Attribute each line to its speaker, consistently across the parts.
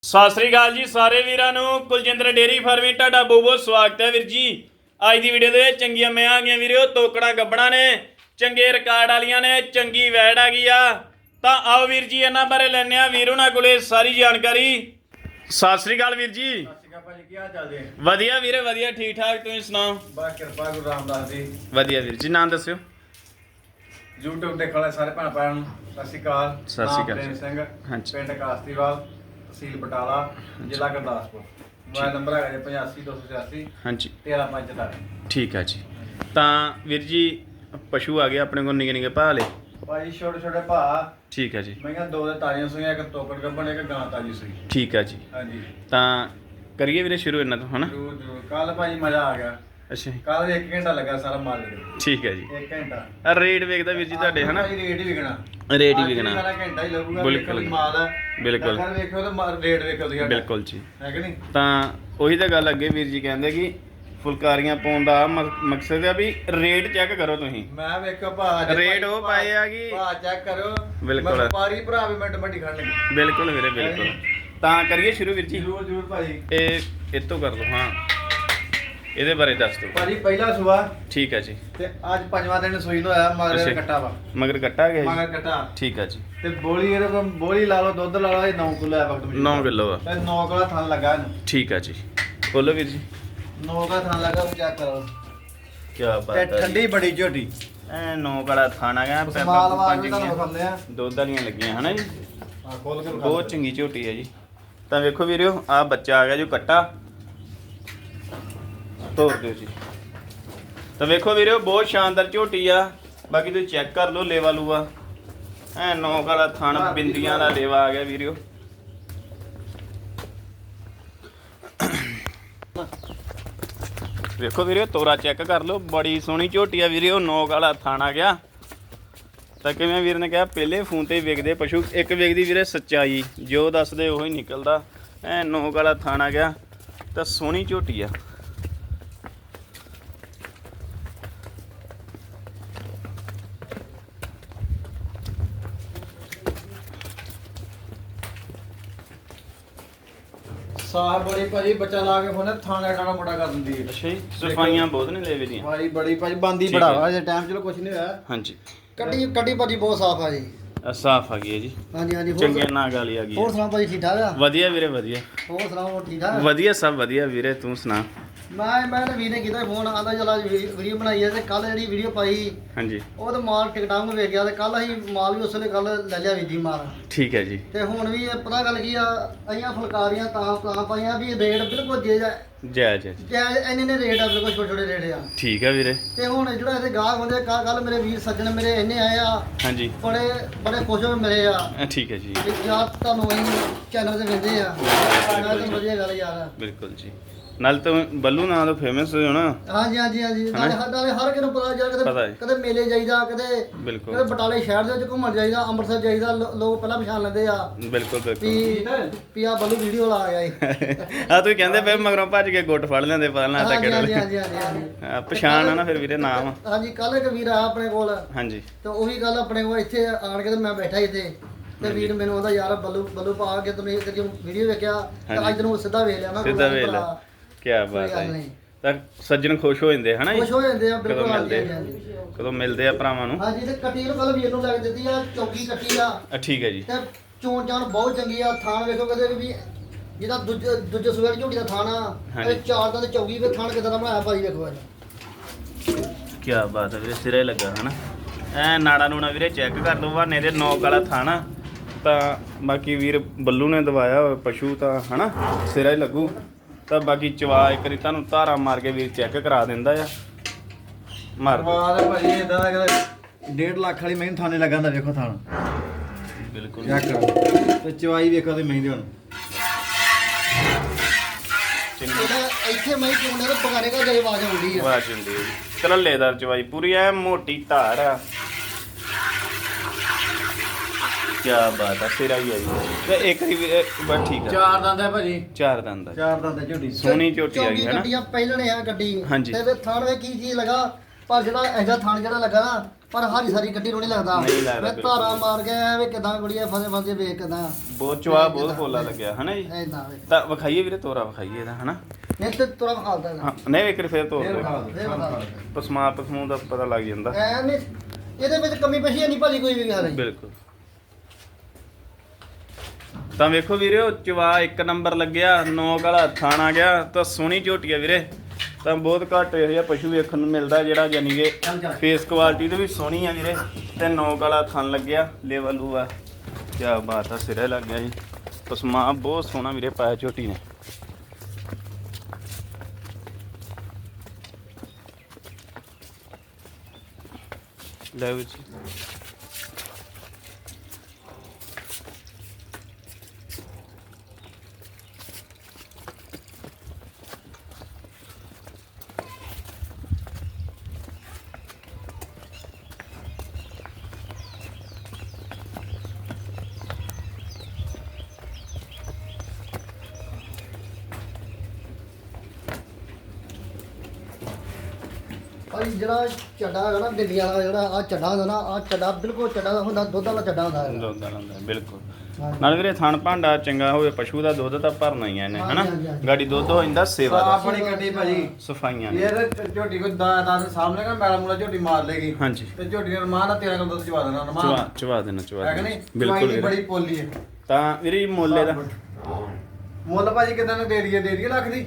Speaker 1: ਸਤਿ ਸ੍ਰੀ ਅਕਾਲ ਜੀ ਸਾਰੇ ਵੀਰਾਂ ਨੂੰ। ਕੁਲਜਿੰਦਰ ਡੇਰੀ ਫਾਰਮਿੰਗ ਤੁਹਾਡਾ ਬਹੁਤ ਬਹੁਤ ਸਵਾਗਤ ਹੈ ਵੀਰ ਜੀ। ਅੱਜ ਦੀ ਵੀਡੀਓ ਦੇ ਵਿੱਚ ਚੰਗੀਆਂ ਮੈਂ ਆ ਗਈਆਂ ਵੀਰੋ, ਤੋਕੜਾ ਗੱਬਣਾ ਨੇ, ਚੰਗੇ ਰਿਕਾਰਡ ਵਾਲੀਆਂ ਨੇ, ਚੰਗੀ ਵੈੜ ਆ ਗਈ ਆ। ਤਾਂ ਆਓ ਵੀਰ ਜੀ ਇਹਨਾਂ ਬਾਰੇ ਲੈਣੇ ਆ ਵੀਰ ਉਹਨਾਂ ਕੋਲੇ ਸਾਰੀ ਜਾਣਕਾਰੀ। ਸਤਿ ਸ੍ਰੀ ਅਕਾਲ ਵੀਰ ਜੀ।
Speaker 2: ਸਤਿ ਸ਼੍ਰੀ ਅਕਾਲ ਭਾਜੀ, ਕੀ ਹਾਲ ਚਾਲ ਜੀ?
Speaker 1: ਵਧੀਆ ਵੀਰੇ ਵਧੀਆ, ਠੀਕ ਠਾਕ, ਤੁਸੀਂ ਸੁਣਾਓ?
Speaker 2: ਬਸ ਕਿਰਪਾ ਗੁਰੂ ਰਾਮਦਾਸ ਦੀ।
Speaker 1: ਵਧੀਆ ਵੀਰ ਜੀ, ਨਾਮ ਦੱਸਿਓ।
Speaker 2: YouTube ਦੇਖਣ ਵਾਲੇ ਸਾਰੇ ਭੈਣ ਭਰਾਵਾਂ ਨੂੰ ਸਤਿ ਸ਼੍ਰੀ ਅਕਾਲ।
Speaker 1: ਸਤਿ ਸ਼੍ਰੀ ਅਕਾਲ
Speaker 2: ਪ੍ਰੇਮ ਸਿੰਘ,
Speaker 1: ਹਾਂਜੀ।
Speaker 2: ਪਿੰਡ ਕਾਸਤੀਵਾਲ, ਤਹਿਸੀਲ ਬਟਾਲਾ, ਜ਼ਿਲ੍ਹਾ ਗੁਰਦਾਸਪੁਰ। ਮੋਬਾਈਲ ਨੰਬਰ ਹੈਗਾ ਜੀ 85 286
Speaker 1: ਹਾਂਜੀ
Speaker 2: 1345।
Speaker 1: ਠੀਕ ਆ ਜੀ। ਤਾਂ ਵੀਰ ਜੀ ਪਸ਼ੂ ਆ ਗਏ ਆਪਣੇ ਕੋਲ ਨਿੱਕੇ ਨਿੱਕੇ ਭਾਅ ਵਾਲੇ।
Speaker 2: ਭਾਜੀ ਛੋਟੇ ਛੋਟੇ ਭਾ,
Speaker 1: ਠੀਕ ਆ ਜੀ।
Speaker 2: ਮੈਂ ਦੋ ਦੇ ਤਾਜ਼ੀਆਂ ਸੂਈਆਂ, ਇੱਕ ਤੋਕੜ ਗੱਬਣ, ਇੱਕ ਗਾਂ ਤਾਜ਼ੀ ਸੂਈ।
Speaker 1: ਠੀਕ ਆ ਜੀ।
Speaker 2: ਹਾਂਜੀ
Speaker 1: ਤਾਂ ਕਰੀਏ ਵੀਰੇ ਸ਼ੁਰੂ ਇਹਨਾਂ ਤੋਂ, ਹਨਾ?
Speaker 2: ਜਰੂਰ ਜਰੂਰ। ਕੱਲ ਭਾਜੀ ਮਜ਼ਾ ਆ ਗਿਆ।
Speaker 1: ਅੱਛਾ
Speaker 2: ਕੱਲ 1 ਘੰਟਾ ਲੱਗਾ ਸਾਰਾ ਮਾਲ ਦੇ।
Speaker 1: ਠੀਕ ਹੈ ਜੀ।
Speaker 2: 1 ਘੰਟਾ
Speaker 1: ਆ ਰੇਟ ਵੇਖਦਾ ਵੀਰ ਜੀ ਤੁਹਾਡੇ, ਹਨਾ?
Speaker 2: ਭਾਜੀ ਰੇਟ ਹੀ ਵਿਕਣਾ।
Speaker 1: ਰੇਟ ਹੀ ਵਿਕਣਾ।
Speaker 2: ਸਾਰਾ ਘੰਟਾ ਹੀ ਲੱਗੂਗਾ।
Speaker 1: ਬਿਲਕੁਲ।
Speaker 2: ਵੇਖੋ ਮਾਲ ਆ।
Speaker 1: ਬਿਲਕੁਲ।
Speaker 2: ਅਗਰ ਵੇਖੋ ਤਾਂ ਰੇਟ ਵੇਖੋ ਤੁਸੀਂ ਸਾਡਾ।
Speaker 1: ਬਿਲਕੁਲ ਜੀ।
Speaker 2: ਹੈ ਕਿ ਨਹੀਂ?
Speaker 1: ਤਾਂ ਉਹੀ ਤਾਂ ਗੱਲ ਅੱਗੇ ਵੀਰ ਜੀ ਕਹਿੰਦੇ ਕਿ ਫੁਲਕਾਰੀਆਂ ਪਾਉਣ ਦਾ ਮਕਸਦ ਹੈ ਵੀ ਰੇਟ ਚੈੱਕ ਕਰੋ ਤੁਸੀਂ।
Speaker 2: ਮੈਂ ਵੇਖੋ ਭਾ
Speaker 1: ਰੇਟ ਉਹ ਪਾਏ ਆ ਕਿ
Speaker 2: ਭਾ ਚੈੱਕ ਕਰੋ।
Speaker 1: ਬਿਲਕੁਲ।
Speaker 2: ਵਪਾਰੀ ਭਰਾ ਵੀ ਮਿੰਟ ਮੱਟੀ ਖੜਨਗੇ।
Speaker 1: ਬਿਲਕੁਲ ਵੀਰੇ ਬਿਲਕੁਲ। ਤਾਂ ਕਰੀਏ ਸ਼ੁਰੂ ਵੀਰ ਜੀ।
Speaker 2: ਜਰੂਰ ਜਰੂਰ ਭਾਜੀ।
Speaker 1: ਇਹ ਤੋਂ ਕਰ ਲਓ। ਹਾਂ ਇਹਦੇ ਬਾਰੇ ਦੱਸ ਦਿਓ
Speaker 2: ਭਾਜੀ ਪਹਿਲਾ ਸੂਆ
Speaker 1: ਠੀਕ ਹੈ ਜੀ।
Speaker 2: ਤੇ ਅੱਜ 5ਵਾਂ ਦਿਨ ਸੂਈ ਨੂੰ ਆਇਆ। ਮਗਰ ਕੱਟਾ ਵਾ।
Speaker 1: ਮਗਰ ਕੱਟਾ ਗਿਆ
Speaker 2: ਮਗਰ
Speaker 1: ਜੀ।
Speaker 2: ਕੱਟਾ
Speaker 1: ਠੀਕ ਹੈ ਜੀ।
Speaker 2: ਤੇ ਬੋਲੀ ਇਹਦੇ ਕੋਲ ਬੋਲੀ ਲਾ ਲਓ, ਦੁੱਧ ਲਾ ਲਓ, ਇਹ 9 ਕਿਲੋ ਹੈ ਵਕਤ ਵਿੱਚ।
Speaker 1: 9 ਕਿਲੋ ਆ।
Speaker 2: ਤੇ 9 ਕਿਲੋ ਥਣ ਲੱਗਾ ਇਹਨੂੰ।
Speaker 1: ਠੀਕ ਹੈ ਜੀ। ਬੋਲੋ ਵੀਰ ਜੀ।
Speaker 2: 9 ਕਿਲੋ ਥਣ ਲੱਗਾ, ਚੈੱਕ ਕਰੋ।
Speaker 1: ਕੀ ਬਾਤ
Speaker 2: ਤੇ
Speaker 1: ਹੈ।
Speaker 2: ਠੰਡੀ ਬੜੀ ਝੋਟੀ।
Speaker 1: ਐ 9 ਕਾਲਾ ਥਾਣਾ ਗਿਆ।
Speaker 2: ਮਾਲ ਵਾਲ ਤੁਹਾਨੂੰ ਵਿਖਾਉਂਦੇ ਆ।
Speaker 1: ਦੁੱਧ ਵਾਲੀਆਂ ਲੱਗੀਆਂ, ਹਨਾ ਜੀ?
Speaker 2: ਆ ਖੋਲ ਕੇ
Speaker 1: ਬਹੁਤ ਚੰਗੀ ਝੋਟੀ ਹੈ ਜੀ। ਤਾਂ ਵੇਖੋ ਵੀਰਿਓ, ਆ ਬੱਚਾ ਆ ਗਿਆ ਜੋ ਕੱਟਾ, ਤੋੜ ਦਿਓ ਜੀ। ਤਾਂ ਵੇਖੋ ਵੀਰਿਓ, ਬਹੁਤ ਸ਼ਾਨਦਾਰ ਝੋਟੀ ਆ। ਬਾਕੀ ਤੁਸੀਂ ਚੈੱਕ ਕਰ ਲਓ ਲੇਵਾ ਲੂਆ। ਐ 9 ਕਾਲਾ ਥਣ, ਬਿੰਦੀਆਂ ਦਾ ਲੇਵਾ ਆ ਗਿਆ ਵੀਰਿਓ। ਵੇਖੋ ਵੀਰਿਓ, ਤੋਰਾ ਚੈੱਕ ਕਰ ਲਓ, ਬੜੀ ਸੋਹਣੀ ਝੋਟੀ ਆ ਵੀਰਿਓ। 9 ਕਾਲਾ ਥਣ ਆ ਗਿਆ। ਤਾਂ ਕਿਵੇਂ ਵੀਰ ਨੇ ਕਿਹਾ, ਪਹਿਲੇ ਫੋਨ ਤੇ ਵੇਖਦੇ ਪਸ਼ੂ, ਇੱਕ ਵੇਖਦੀ ਵੀਰੇ ਸੱਚਾਈ, ਜੋ ਦੱਸਦੇ ਉਹੀ ਨਿਕਲਦਾ। ਐ 9 ਕਾਲਾ ਥਣ ਆ ਗਿਆ। ਤਾਂ ਸੋਹਣੀ ਝੋਟੀ ਆ।
Speaker 2: ਸਾਹ ਬੜੀ ਭਾਜੀ, ਬੱਚਾ ਲਾ ਕੇ ਫੋਨੇ ਥਾਣਾ ਟਾਣਾ ਮੋਟਾ ਕਰ ਦਿੰਦੀ ਹੈ।
Speaker 1: ਅੱਛਾ ਜੀ। ਸਫਾਈਆਂ ਬਹੁਤ ਨੇ ਲੇਵੇ ਦੀਆਂ।
Speaker 2: ਭਾਜੀ ਬੜੀ ਭਾਜੀ ਬੰਦੀ
Speaker 1: ਠੀਕ ਹੈ।
Speaker 2: ਬੜਾਵਾ। ਅਜੇ ਟਾਈਮ ਚਲੋ ਕੁਝ ਨਹੀਂ ਹੋਇਆ।
Speaker 1: ਹਾਂਜੀ।
Speaker 2: ਕੱਢੀ ਭਾਜੀ ਬਹੁਤ ਸਾਫ ਆ ਜੀ।
Speaker 1: ਸਾਫ ਆ ਗਈ ਹੈ ਜੀ।
Speaker 2: ਹਾਂਜੀ ਹਾਂਜੀ।
Speaker 1: ਚੰਗੇ ਨਾਗ ਵਾਲੀ ਆ ਗਈ
Speaker 2: ਹੋਰ
Speaker 1: ਹੈ।
Speaker 2: ਸੁਣਾਓ ਭਾਜੀ, ਠੀਕ ਠਾਕ ਆ?
Speaker 1: ਵਧੀਆ ਵੀਰੇ ਵਧੀਆ।
Speaker 2: ਹੋਰ ਸੁਣਾਓ, ਹੋਰ ਠੀਕ ਠਾਕ?
Speaker 1: ਵਧੀਆ ਸਭ ਵਧੀਆ ਵੀਰੇ, ਤੂੰ ਸੁਣਾ?
Speaker 2: ਮੈਂ ਤਾਂ ਵੀਰ ਨੇ ਕੀਤਾ ਫੋਨ, ਆਂਦਾ ਚਲਾ ਵੀਡੀਓ ਬਣਾਈ ਹੈ। ਤੇ ਕੱਲ ਜਿਹੜੀ ਵੀਡੀਓ ਪਾਈ
Speaker 1: ਹਾਂਜੀ
Speaker 2: ਉਹ ਤਾਂ ਮਾਲ ਟਿਕਟਾਂ ਨੂੰ ਵੇਖ ਗਿਆ। ਤੇ ਕੱਲ ਅਸੀਂ ਮਾਲ ਵੀ ਉਸ ਵੇਲੇ ਕੱਲ ਲੈ ਲਿਆ ਵੀਰ ਜੀ ਮਾਲ।
Speaker 1: ਠੀਕ ਹੈ ਜੀ।
Speaker 2: ਤੇ ਹੁਣ ਵੀ ਇਹ ਪਤਾ ਗੱਲ ਕੀ ਆ, ਅਸੀਂ ਫੁਲਕਾਰੀਆਂ ਤਾਂ ਪਾਈਆਂ ਵੀ ਰੇਟ ਬਿਲਕੁਲ
Speaker 1: ਜੈ ਜੈ ਜੀ।
Speaker 2: ਇੰਨੇ ਨੇ ਰੇਟ ਆ, ਬਿਲਕੁਲ ਛੋਟੇ ਛੋਟੇ ਰੇਟ ਆ।
Speaker 1: ਠੀਕ ਹੈ ਵੀਰੇ।
Speaker 2: ਤੇ ਹੁਣ ਜਿਹੜਾ ਇਹਦੇ ਗਾਹਕ ਹੁੰਦੇ, ਕੱਲ ਮੇਰੇ ਵੀਰ ਸੱਜਣ ਮੇਰੇ ਇੰਨੇ ਆਏ ਆ,
Speaker 1: ਹਾਂਜੀ
Speaker 2: ਬੜੇ ਖੁਸ਼ ਹੋ ਮਿਲੇ ਆ।
Speaker 1: ਠੀਕ ਹੈ ਜੀ।
Speaker 2: ਵੀ ਯਾਰ ਤੁਹਾਨੂੰ ਅਸੀਂ ਚੈਨਲ ਤੇ ਵੇਖਦੇ ਆ। ਮੈਂ ਤਾਂ ਵਧੀਆ ਗੱਲ ਯਾਰ।
Speaker 1: ਬਿਲਕੁਲ ਜੀ। ਨਾਲ ਤਾਂ ਬੱਲੂ ਨਾਂ ਤੋਂ ਫੇਮਸ ਹੋਣਾ।
Speaker 2: ਹਾਂਜੀ ਹਾਂਜੀ ਹਾਂਜੀ। ਨਾਲੇ ਹਰ ਕਿਸੇ ਨੂੰ ਪਤਾ ਯਾਰ,
Speaker 1: ਪਤਾ ਹੈ।
Speaker 2: ਕਦੇ ਮੇਲੇ ਜਾਈਦਾ, ਕਦੇ
Speaker 1: ਬਿਲਕੁਲ
Speaker 2: ਬਟਾਲੇ ਸ਼ਹਿਰ ਦੇ ਵਿੱਚ ਘੁੰਮਣ ਜਾਈਦਾ, ਅੰਮ੍ਰਿਤਸਰ ਜਾਈਦਾ, ਲੋਕ ਪਹਿਲਾਂ ਪਛਾਣ ਲੈਂਦੇ ਆ
Speaker 1: ਬਿਲਕੁਲ ਬਿਲਕੁਲ।
Speaker 2: ਵੀ ਆ ਬੱਲੂ ਵੀਡੀਓ ਲਾ ਗਿਆ ਏ।
Speaker 1: ਆ ਤੁਸੀਂ ਕਹਿੰਦੇ ਪਏ ਮਗਰੋਂ ਭੱਜ ਕੇ ਗੁੱਟ ਫੜ ਲੈਂਦੇ, ਪਤਾ ਨਾ ਤਾਂ
Speaker 2: ਹਾਂਜੀ ਹਾਂਜੀ
Speaker 1: ਕਿਹੜਾ।
Speaker 2: ਹਾਂਜੀ ਹਾਂਜੀ।
Speaker 1: ਪਛਾਣ ਆ ਨਾ ਫਿਰ ਵੀਰੇ, ਨਾਮ।
Speaker 2: ਹਾਂਜੀ ਕੱਲ ਇੱਕ ਵੀਰ ਆਇਆ ਆਪਣੇ ਕੋਲ,
Speaker 1: ਹਾਂਜੀ
Speaker 2: ਤੇ ਉਹੀ ਗੱਲ ਆਪਣੇ ਕੋਲ ਇੱਥੇ ਆਣ ਕੇ ਤੇ ਮੈਂ ਬੈਠਾ ਇੱਥੇ, ਤੇ ਵੀਰ ਮੈਨੂੰ ਉਹਦਾ ਯਾਰ ਬੱਲੂ ਪਾ ਕੇ ਤੁਸੀਂ ਵੀਡੀਓ ਵੇਖਿਆ ਤਾਂ ਅੱਜ ਨੂੰ ਸਿੱਧਾ ਵੇਖ ਲਿਆ। ਮੈਂ
Speaker 1: ਸਿੱਧਾ ਵੇਖ ਲਿਆ। ਕੀ ਬਾਤ ਹੈ ਜੀ। ਤਾਂ ਸੱਜਣ ਖੁਸ਼ ਹੋ ਜਾਂਦੇ ਹਨਾ ਜੀ,
Speaker 2: ਖੁਸ਼ ਹੋ ਜਾਂਦੇ ਆ।
Speaker 1: ਕਦੋਂ
Speaker 2: ਬਿਲਕੁਲ
Speaker 1: ਮਿਲਦੇ
Speaker 2: ਹਾਂਜੀ ਹਾਂਜੀ
Speaker 1: ਕਦੋਂ ਮਿਲਦੇ ਆ ਭਰਾਵਾਂ ਨੂੰ।
Speaker 2: ਹਾਂਜੀ। ਤੇ ਕੱਟੀ ਨੂੰ ਕੱਲ ਵੀਰ ਨੂੰ ਲੱਗ ਦਿੱਤੀ ਆ, ਚੌਕੀ ਕੱਟੀ ਆ।
Speaker 1: ਠੀਕ ਹੈ ਜੀ।
Speaker 2: ਤੇ ਚੋਣ ਚਾਣ ਬਹੁਤ ਚੰਗੀ ਆ। ਥਾਣ ਵੇਖੋ ਕਦੇ ਵੀ, ਜਿਹਦਾ ਦੂਜੇ ਸੂਏ ਝੋਟੀ ਦਾ ਥਾਣ ਆ,
Speaker 1: ਹਾਂਜੀ।
Speaker 2: ਇਹ 4 ਦਾ ਤੇ ਚੌਕੀ ਦੇ ਥਾਣ ਕਿਦਾਂ ਦਾ ਬਣਾਇਆ ਭਾਈ ਵੇਖੋ ਇਹਦਾ।
Speaker 1: ਕੀ ਬਾਤ ਹੈ ਵੀਰੇ, ਸਿਰੇ ਲੱਗਾ ਹਨਾ। ਐ ਨਾੜਾ ਨੂਣਾ ਵੀਰੇ ਚੈੱਕ ਕਰ ਲਓ, ਬਹਾਨੇ ਦੇ 9 ਕਾਲਾ ਥਾਣਾ। ਤਾਂ ਬਾਕੀ ਵੀਰ ਬੱਲੂ ਨੇ ਦਵਾਇਆ ਹੋਇਆ ਪਸ਼ੂ ਤਾਂ ਹਨਾ, ਸਿਰਾ ਹੀ ਲੱਗੂ। ਤਾਂ ਬਾਕੀ ਚਵਾ ਇੱਕ ਵਾਰੀ ਤੁਹਾਨੂੰ ਧਾਰਾ ਮਾਰ ਕੇ ਵੀਰ ਚੈੱਕ ਕਰਾ ਦਿੰਦਾ ਆ। ਮਾਰ ਦਿਓ।
Speaker 2: ਵਾਹ ਭਾਈ ਇਦਾਂ ਦਾ 1.5 ਲੱਖ ਵਾਲੀ ਮਹਿੰਦੀ ਥਾਣੇ ਲੱਗਾਂਦਾ ਵੇਖੋ ਥਾਣ।
Speaker 1: ਬਿਲਕੁਲ
Speaker 2: ਚੈੱਕ ਕਰੋ ਤੇ ਚਵਾਈ ਵੇਖੋ ਤੇ ਮਹਿੰਦੀ ਹੁਣ। ਇਹਦਾ ਇੱਥੇ ਮੈਂ ਚੋਣੇ ਤੇ ਪਕਾਰੇ ਕਾ ਦੇ ਆਵਾਜ਼ ਆਉਂਦੀ ਆ।
Speaker 1: ਵਾਹ ਚੰਦੀ ਕਰੱਲੇਦਾਰ ਚਵਾਈ ਪੂਰੀ ਐ, ਮੋਟੀ ਧਾਰ ਆ। ਕੀ ਬਾਤ ਆ, ਸਿਰਾ ਹੀ ਆ ਜੀ। ਤੇ ਇੱਕ ਵਾਰੀ ਬਸ ਠੀਕ ਆ।
Speaker 2: 4 ਦੰਦ ਹੈ ਭਾਜੀ।
Speaker 1: 4 ਦੰਦ ਆ।
Speaker 2: 4 ਦੰਦ ਹੈ ਝੋਟੀ।
Speaker 1: ਸੋਹਣੀ ਝੋਟੀ ਆ ਗਈ ਹਨਾ।
Speaker 2: ਗੱਡੀਆਂ ਪਹਿਲਣੇ ਆ ਗੱਡੀ।
Speaker 1: ਹਾਂਜੀ।
Speaker 2: ਤੇ ਥਾਣ ਵੇ ਕੀ ਚੀਜ਼ ਲਗਾ, ਪਰ ਜਿਹੜਾ ਇਹਦਾ ਥਾਣ ਜਿਹੜਾ ਲੱਗਾ ਨਾ, ਪਰ ਹਾਰੀ ਸਾਰੀ ਕੱਟੀ ਨੂੰ ਨਹੀਂ ਲੱਗਦਾ
Speaker 1: ਨਹੀਂ ਲੱਗਦਾ
Speaker 2: ਮੈਂ ਧਾਰਾ ਮਾਰ ਕੇ ਐਵੇਂ ਕਿਦਾਂ ਗੁੜੀਆ ਫਸੇ ਵੇਖ ਕਿਦਾਂ
Speaker 1: ਬਹੁਤ ਚਵਾ ਬਹੁਤ ਫੋਲਾ ਲੱਗਿਆ ਹਨਾ ਜੀ
Speaker 2: ਐਦਾਂ ਵੇ
Speaker 1: ਤਾਂ ਵਿਖਾਈਏ ਵੀਰੇ ਤੋਰਾ ਵਿਖਾਈਏ ਇਹਦਾ ਹਨਾ
Speaker 2: ਇਹ ਤੇ ਤੁਰਾ ਖਾਲਦਾ
Speaker 1: ਹਾਂ ਨਹੀਂ ਵੇਖ ਫੇਰ ਤੋਰ
Speaker 3: ਫੇਰ
Speaker 1: ਦੇ
Speaker 3: ਵਿਖਾ ਦਿਓ।
Speaker 2: ਫੇਰ ਵਿਖਾ
Speaker 1: ਪਸਮਾ ਪਸਮੂ ਦਾ ਪਤਾ ਲੱਗ ਜਾਂਦਾ
Speaker 2: ਐ ਨਹੀਂ ਇਹਦੇ ਵਿੱਚ ਕਮੀ ਪੇਸ਼ੀ ਨਹੀਂ ਭਾਜੀ ਕੋਈ ਵੀ ਗੱਲ ਨਹੀਂ
Speaker 1: ਬਿਲਕੁਲ ਤਾਂ ਵੇਖੋ ਵੀਰੇ ਉਹ ਚਵਾ ਇੱਕ ਨੰਬਰ ਲੱਗਿਆ ਨੋਕ ਵਾਲਾ ਥਾਣ ਆ ਗਿਆ ਤਾਂ ਸੋਹਣੀ ਝੋਟੀ ਆ ਵੀਰੇ ਤਾਂ ਬਹੁਤ ਘੱਟ ਇਹੋ ਜਿਹਾ ਪਸ਼ੂ ਵੇਖਣ ਨੂੰ ਮਿਲਦਾ ਜਿਹੜਾ ਯਾਨੀ ਕਿ ਫੇਸ ਕੁਆਲਿਟੀ ਤੇ ਵੀ ਸੋਹਣੀ ਆ ਵੀਰੇ ਤੇ ਨੋਕ ਵਾਲਾ ਥਣ ਲੱਗਿਆ ਲੈਵਲ ਆ ਕੀ ਬਾਤ ਆ ਸਿਰੇ ਲੱਗ ਗਿਆ ਜੀ ਪਸਮਾ ਬਹੁਤ ਸੋਹਣਾ ਵੀਰੇ ਪਾਇਆ ਝੋਟੀ ਨੇ ਲੈ ਵਿੱਚ
Speaker 2: ਭਾਈ ਜਿਹੜਾ ਚੱਡਾ ਹੈਗਾ ਨਾ ਦਿੱਲੀ ਵਾਲਾ ਜਿਹੜਾ ਆ ਚੱਡਾ ਹੁੰਦਾ ਨਾ ਆ ਚੱਡਾ ਬਿਲਕੁਲ ਚੱਡਾ ਦਾ ਹੁੰਦਾ ਦੁੱਧ ਵਾਲਾ ਚੱਡਾ ਹੁੰਦਾ ਹੈਗਾ
Speaker 1: ਦੁੱਧ ਵਾਲਾ ਹੁੰਦਾ ਬਿਲਕੁਲ
Speaker 2: ਹਾਂਜੀ।
Speaker 1: ਨਾਲ ਵੀਰੇ ਥਣ ਭਾਂਡਾ ਚੰਗਾ ਹੋਵੇ ਪਸ਼ੂ ਦਾ ਦੁੱਧ ਤਾਂ ਭਰਨਾ ਹੀ ਆ ਇਹਨੇ ਹਨਾ
Speaker 2: ਹਾਂਜੀ, ਹਾਂਜੀ।
Speaker 1: ਗਾੜੀ ਦੁੱਧ ਹੋ ਜਾਂਦਾ ਸੇਵਾ ਦਾ
Speaker 3: ਆਪਣੀ ਕੱਟੀ ਭਾਜੀ
Speaker 1: ਸਫਾਈਆਂ ਨੇ
Speaker 3: ਇਹ ਤਾਂ ਝੋਟੀ ਕੋਈ ਦਾ ਸਾਹਮਣੇ ਨਾ ਮੈਲਾ ਮੂਲਾ ਝੋਟੀ ਮਾਰ ਲੇਗੀ
Speaker 1: ਹਾਂਜੀ
Speaker 3: ਤੇ ਝੋਟੀ ਨੇ ਰਮਾਨ ਨਾਲ 13 ਕਿਲੋ ਦੁੱਧ ਚਵਾ ਦੇਣਾ
Speaker 1: ਚਵਾ
Speaker 3: ਰਮਾਨ
Speaker 1: ਚਵਾ ਦੇਣਾ ਚਵਾ
Speaker 3: ਹੈ ਕਿ
Speaker 1: ਦੇਣਾ
Speaker 3: ਨਹੀਂ
Speaker 1: ਬਿਲਕੁਲ
Speaker 3: ਚਵਾਈ ਦੀ
Speaker 1: ਵੀਰੇ।
Speaker 3: ਬੜੀ ਪੋਲੀ ਹੈ
Speaker 1: ਤਾਂ ਵੀਰੇ ਮੁੱਲ ਇਹਦਾ
Speaker 3: ਮੁੱਲ ਭਾਜੀ ਕਿਦਾਂ ਨੂੰ ਦੇ ਦਈਏ ਲੱਖ ਦੀ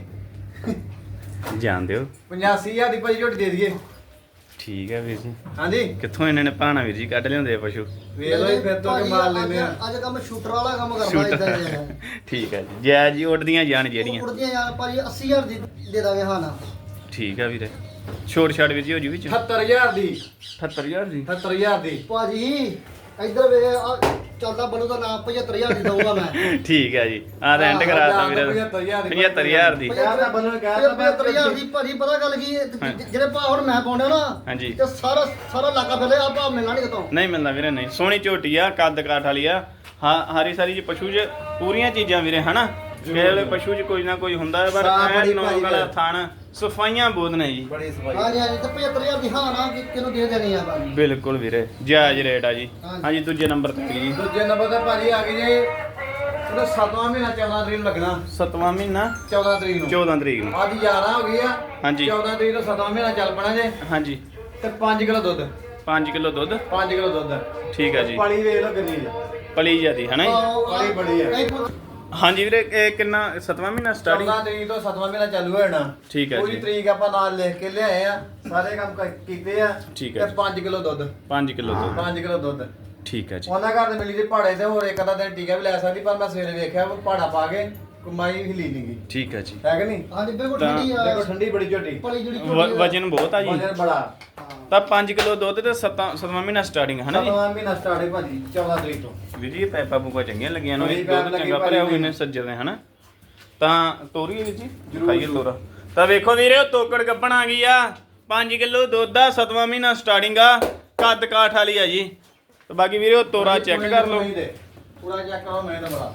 Speaker 1: ਜਾਣਦੇ ਹੋ
Speaker 3: 85000 ਦੀ ਭਾਜੀ ਝੋਟੀ ਦੇ ਦਈਏ
Speaker 1: ਠੀਕ ਹੈ ਵੀਰ ਜੀ
Speaker 3: ਹਾਂਜੀ
Speaker 1: ਕਿੱਥੋਂ ਇਹਨਾਂ ਨੇ ਭਾਣਾ ਵੀਰ ਜੀ ਕੱਢ ਲਿਆਉਂਦੇ ਆ ਪਸ਼ੂ
Speaker 3: ਵੇਖ ਲਓ ਜੀ, ਫਿਰ ਤੋਂ ਕਿ ਮਾਰ ਲੈਨੇ ਆ
Speaker 2: ਅੱਜ ਕੰਮ ਸ਼ੂਟਰ ਵਾਲਾ ਕੰਮ ਕਰਦਾ
Speaker 1: ਸ਼ੂਟਰ।
Speaker 2: ਇਦਾਂ ਜਿਹਾ
Speaker 1: ਠੀਕ ਹੈ ਜੀ ਜੈ ਜੀ ਉੱਡਦੀਆਂ ਜਾਣ ਜਿਹੜੀਆਂ
Speaker 2: ਉੜਦੀਆਂ ਯਾਰ ਭਾਜੀ 80000 ਦੀ ਦੇ ਦਾਂਗੇ ਹਾਂ ਨਾ
Speaker 1: ਠੀਕ ਹੈ ਵੀਰੇ ਛੋਟ ਛਾੜ ਵੀਰ ਜੀ ਹੋ ਜੂ ਵਿੱਚ
Speaker 3: 78000 ਦੀ
Speaker 1: 78000 ਦੀ
Speaker 3: 78000 ਦੀ
Speaker 2: ਭਾਜੀ ਇੱਧਰ ਵੇ ਆ ਚੱਲਦਾ ਬਲੂ ਦਾ ਨਾਮ 75000 ਦੀ ਦਊਗਾ ਮੈਂ
Speaker 1: ਠੀਕ ਹੈ ਜੀ ਆ ਰੈਂਟ ਕਰਾਤਾ ਵੀਰੇ 75000 ਦੀ
Speaker 3: ਯਾਰ ਤਾਂ ਬੰਨਣ ਕਹਿ ਤਾ
Speaker 2: 75000 ਦੀ ਭਾਜੀ ਪਤਾ ਗੱਲ ਕੀ ਹੈ? ਜਿਹੜੇ ਭਾ ਹੁਣ ਮੈਂ ਪਾਉਂਦਾ ਨਾ
Speaker 1: ਹਾਂਜੀ
Speaker 2: ਤੇ ਸਾਰਾ ਸਾਰਾ ਇਲਾਕਾ ਫਿਰਦੇ ਆ ਭਾ ਮਿਲਣਾ ਨਹੀਂ ਕਿਤੋਂ
Speaker 1: ਨਹੀਂ ਮਿਲਦਾ ਵੀਰੇ ਨਹੀਂ ਸੋਹਣੀ ਝੋਟੀ ਆ ਕੱਦ ਕਾਠ ਵਾਲੀ ਆ ਹਾਂ ਹਾਰੀ ਸਾਰੀ ਜੀ ਪਸ਼ੂ 'ਚ ਪੂਰੀਆਂ ਚੀਜ਼ਾਂ ਵੀਰੇ ਹਨਾ ਕਿਹੜੇ ਪਸ਼ੂ 'ਚ ਕੋਈ ਨਾ ਕੋਈ ਹੁੰਦਾ ਹੈ, ਪਰ
Speaker 3: ਸਾਹ
Speaker 1: ਐ
Speaker 3: ਬੜੀ
Speaker 1: ਨੌਕ
Speaker 3: ਭਾਈ
Speaker 1: ਵਾਲਾ
Speaker 3: ਵੀਰੇ।
Speaker 1: ਥਣ ਸਫਾਈਆਂ ਬਹੁਤ ਨੇ ਜੀ
Speaker 3: ਬੜੀ ਸਫਾਈ
Speaker 2: ਹਾਂਜੀ ਹਾਂਜੀ ਤੇ 75000 ਦੀ ਹਾਂ ਨਾ ਕਿਹਨੂੰ ਦੇ ਦੇਣੀ ਆ ਭਾਜੀ
Speaker 1: ਬਿਲਕੁਲ ਵੀਰੇ ਜਾਇਜ਼ ਰੇਟ ਆ ਜੀ
Speaker 2: ਹਾਂਜੀ।
Speaker 1: ਹਾਂਜੀ ਦੂਜੇ ਨੰਬਰ ਤੇ ਜੀ
Speaker 3: ਦੂਜੇ ਨੰਬਰ ਤੇ ਭਾਜੀ ਆ ਗਈ ਜੇ ਉਹਦਾ 7ਵਾਂ ਮਹੀਨਾ 14 ਤਰੀਕ ਨੂੰ ਲੱਗਣਾ
Speaker 1: 7ਵਾਂ ਮਹੀਨਾ
Speaker 3: 14 ਤਰੀਕ ਨੂੰ
Speaker 1: 14 ਤਰੀਕ ਨੂੰ
Speaker 3: ਅੱਜ 11 ਹੋ ਗਈ ਆ
Speaker 1: ਹਾਂਜੀ।
Speaker 3: 14 ਤਰੀਕ ਨੂੰ 7ਵਾਂ ਮਹੀਨਾ ਚੱਲ ਪਣਾ ਜੇ
Speaker 1: ਹਾਂਜੀ
Speaker 3: ਤੇ 5 ਕਿਲੋ ਦੁੱਧ
Speaker 1: 5 ਕਿਲੋ ਦੁੱਧ
Speaker 3: 5 ਕਿਲੋ ਦੁੱਧ
Speaker 1: ਠੀਕ ਹੈ ਜੀ
Speaker 3: ਪਾਲੀ ਵੇਖ ਲਓ ਕਿੰਨੀ ਹੈ
Speaker 1: ਪਲੀ ਜਾਂਦੀ ਹਨਾ ਜੀ
Speaker 3: ਬੜੀ ਬੜੀ ਹੈ।
Speaker 1: ਹਾਂਜੀ ਵੀਰੇ ਇਹ ਕਿੰਨਾ 7ਵਾਂ ਮਹੀਨਾ ਸਟਾਰਟਿੰਗ
Speaker 3: 14 ਤਰੀਕ ਤੋਂ 7ਵਾਂ ਮਹੀਨਾ ਚਾਲੂ ਹੋ ਜਾਣਾ
Speaker 1: ਠੀਕ ਹੈ
Speaker 3: ਪੂਰੀ
Speaker 1: ਜੀ
Speaker 3: ਤਰੀਕ ਆਪਾਂ ਨਾਲ ਲਿਖ ਕੇ ਲਿਆਏ ਆ ਸਾਰੇ ਕੰਮ ਕੀਤੇ ਆ
Speaker 1: ਠੀਕ ਹੈ
Speaker 3: ਤੇ 5 ਕਿਲੋ ਦੁੱਧ
Speaker 1: 5 ਕਿਲੋ ਦੁੱਧ
Speaker 3: 5 ਕਿਲੋ ਦੁੱਧ
Speaker 1: ਠੀਕ ਹੈ ਜੀ
Speaker 3: ਉਹਨਾਂ ਘਰ ਦੇ ਮਿਲੀ ਦੇ ਪਹਾੜੇ ਤੇ ਹੋਰ ਇੱਕ ਅੱਧਾ ਦਿਨ ਟੀਕਾ ਵੀ ਲੈ ਸਕਦੀ ਪਰ ਮੈਂ ਸਵੇਰੇ ਵੇਖਿਆ ਉਹ ਪਹਾੜਾ ਪਾ ਕੇ ਕਮਾਈ ਹਿਲੀ ਨਹੀਂ ਗਈ
Speaker 1: ਠੀਕ ਹੈ ਜੀ
Speaker 3: ਹੈ ਕਿ ਨਹੀਂ
Speaker 2: ਹਾਂਜੀ ਬਿਲਕੁਲ
Speaker 1: ਤਾਂ
Speaker 2: ਠੰਡੀ ਆ
Speaker 3: ਦੇਖੋ ਠੰਡੀ ਬੜੀ ਝੋਟੀ
Speaker 2: ਪਲੀ ਜਿਹੜੀ
Speaker 1: ਵਜਨ ਬਹੁਤ ਆ ਜੀ
Speaker 3: ਵਜਨ ਬੜਾ
Speaker 1: ਤਾਂ 5 ਕਿਲੋ ਦੁੱਧ ਤੇ 7ਵਾਂ ਮਹੀਨਾ ਸਟਾਰਟਿੰਗ ਹਨਾ ਜੀ
Speaker 3: 7ਵਾਂ ਮਹੀਨਾ ਸਟਾਰਟ ਹੈ ਭਾਜੀ 14 ਤਰੀਕ ਤੋਂ
Speaker 1: ਵੀਰ ਜੀ ਇਹ ਪੈਪਾ ਪੂਪਾ ਚੰਗੀਆਂ ਲੱਗੀਆਂ ਨੂੰ
Speaker 3: ਬੜੀ
Speaker 1: ਦੁੱਧ
Speaker 3: ਪੈਪ ਲੱਗੀ
Speaker 1: ਚੰਗਾ
Speaker 3: ਭਾਜੀ
Speaker 1: ਭਰਿਆ ਹੋਏ ਨੇ
Speaker 3: ਮੈਨੂੰ।
Speaker 1: ਸੱਜਰ ਨੇ ਹਨਾ ਤਾਂ ਤੋਰੀਏ ਵੀਰ ਜੀ
Speaker 3: ਜ਼ਰੂਰ,
Speaker 1: ਖਾਈਏ
Speaker 3: ਜ਼ਰੂਰ।
Speaker 1: ਤੋਰਾ ਤਾਂ ਵੇਖੋ ਵੀਰੇ ਉਹ ਤੋਕੜ ਗੱਪਣ ਆ ਗਈ ਆ 5 ਕਿਲੋ ਦੁੱਧ ਆ 7ਵਾਂ ਮਹੀਨਾ ਸਟਾਰਟਿੰਗ ਆ ਕੱਦ ਕਾਠ ਵਾਲੀ ਆ ਜੀ ਤੇ ਬਾਕੀ ਵੀਰੇ ਉਹ ਤੋਰਾ ਚੈੱਕ ਕਰ ਲਓ
Speaker 3: ਪੂਰਾ ਚੈੱਕ ਕਰੋ ਮੈਂ ਤਾਂ ਬੜਾ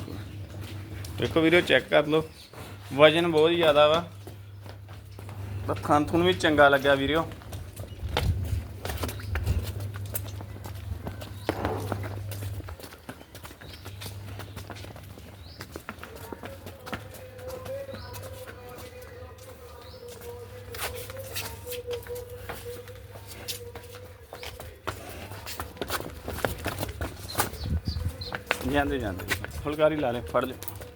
Speaker 1: ਦੇਖੋ ਵੀਰੇ ਚੈੱਕ ਕਰ ਲਓ ਵਜਨ ਬਹੁਤ ਜ਼ਿਆਦਾ ਵਾ ਤਾਂ ਥਣ ਥੁਣ ਵੀ ਚੰਗਾ ਲੱਗਿਆ ਵੀਰਿਓ ਜਾਂਦੇ ਜਾਂਦੇ ਫੁਲਕਾਰੀ ਲਾ ਲੈ ਫੜ ਲੈ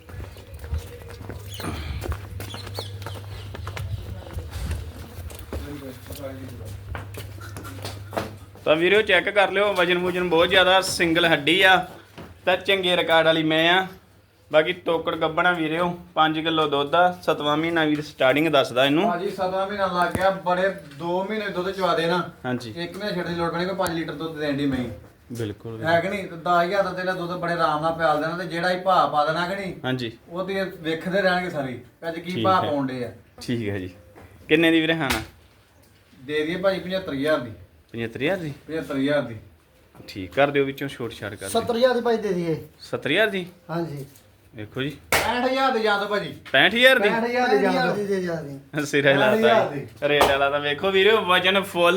Speaker 1: ਤਾਂ ਵੀਰੋ ਚੈੱਕ ਕਰ ਲਿਓ ਵਜਨ ਵੂਜਨ ਬਹੁਤ ਜ਼ਿਆਦਾ ਸਿੰਗਲ ਹੱਡੀ ਆ ਤਾਂ ਚੰਗੇ ਰਿਕਾਰਡ ਵਾਲੀ ਮੈਂ ਆ ਬਾਕੀ ਤੋਕੜ ਗੱਬਣਾ ਵੀਰਿਓ 5 ਕਿਲੋ ਦੁੱਧ ਆ 7ਵਾਂ ਮਹੀਨਾ ਵੀਰ ਸਟਾਰਟਿੰਗ ਦੱਸਦਾ ਇਹਨੂੰ
Speaker 3: ਭਾਜੀ 7ਵਾਂ ਮਹੀਨਾ ਲੱਗ ਗਿਆ ਬੜੇ 2 ਮਹੀਨੇ ਦੁੱਧ ਚਵਾ ਦੇਣਾ
Speaker 1: ਹਾਂਜੀ
Speaker 3: ਇੱਕ ਮਹੀਨੇ ਛੱਡ ਦੀ ਲੋੜ ਪੈਣੀ ਕੋਈ 5 ਲੀਟਰ ਦੁੱਧ ਦੇਣ ਦੀ ਮੈਂ
Speaker 1: ਬਿਲਕੁਲ
Speaker 3: ਹੈ ਕਿ ਨਹੀਂ ਤੇ 10000 ਦਾ ਤੇਰਾ ਦੁੱਧ ਬੜੇ ਆਰਾਮ ਨਾਲ ਪਿਆਲ ਦੇਣਾ ਤੇ ਜਿਹੜਾ ਹੀ ਭਾਅ ਪਾ ਦੇਣਾ ਕਿ ਨਹੀਂ
Speaker 1: ਹਾਂਜੀ
Speaker 3: ਉਹ ਤੇ ਵੇਖਦੇ ਰਹਿਣਗੇ ਸਾਰੀ ਅੱਜ ਕੀ
Speaker 1: ਠੀਕ
Speaker 3: ਭਾਅ
Speaker 1: ਹੈ।
Speaker 3: ਪਾਉਂਦੇ ਆ
Speaker 1: ਠੀਕ ਹੈ ਜੀ ਕਿੰਨੇ ਦੀ ਵੀਰੇ ਹਾਣਾ
Speaker 3: ਦੇ ਦਈਏ ਭਾਜੀ 75000 ਦੀ
Speaker 1: 75000 ਦੀ
Speaker 3: 75000 ਦੀ
Speaker 1: ਠੀਕ ਕਰ ਦਿਓ ਵਿੱਚੋਂ ਛੋਟ ਛਾੜ ਕਰ ਦਿਓ
Speaker 2: 70000 ਦੀ ਭਾਈ ਦੇ ਦਈਏ
Speaker 1: 70000 ਦੀ
Speaker 2: ਹਾਂਜੀ
Speaker 1: ਵੇਖੋ ਜੀ
Speaker 3: 65000 ਦੇ ਜਾਂ ਦੋ ਭਾਜੀ
Speaker 1: 65000 ਦੀ
Speaker 3: 65000 ਦੇ ਜਾਂ
Speaker 2: 65000
Speaker 3: ਦੋ
Speaker 2: ਦੀ ਦੇ ਜਾਂਦੀ
Speaker 1: ਸਿਰੇ ਲਾਤਾ
Speaker 3: 65000 ਦੀ।
Speaker 1: ਰੇਟ ਵਾਲਾ ਤਾਂ ਵੇਖੋ ਵੀਰੇ ਵਜਨ ਫੁੱਲ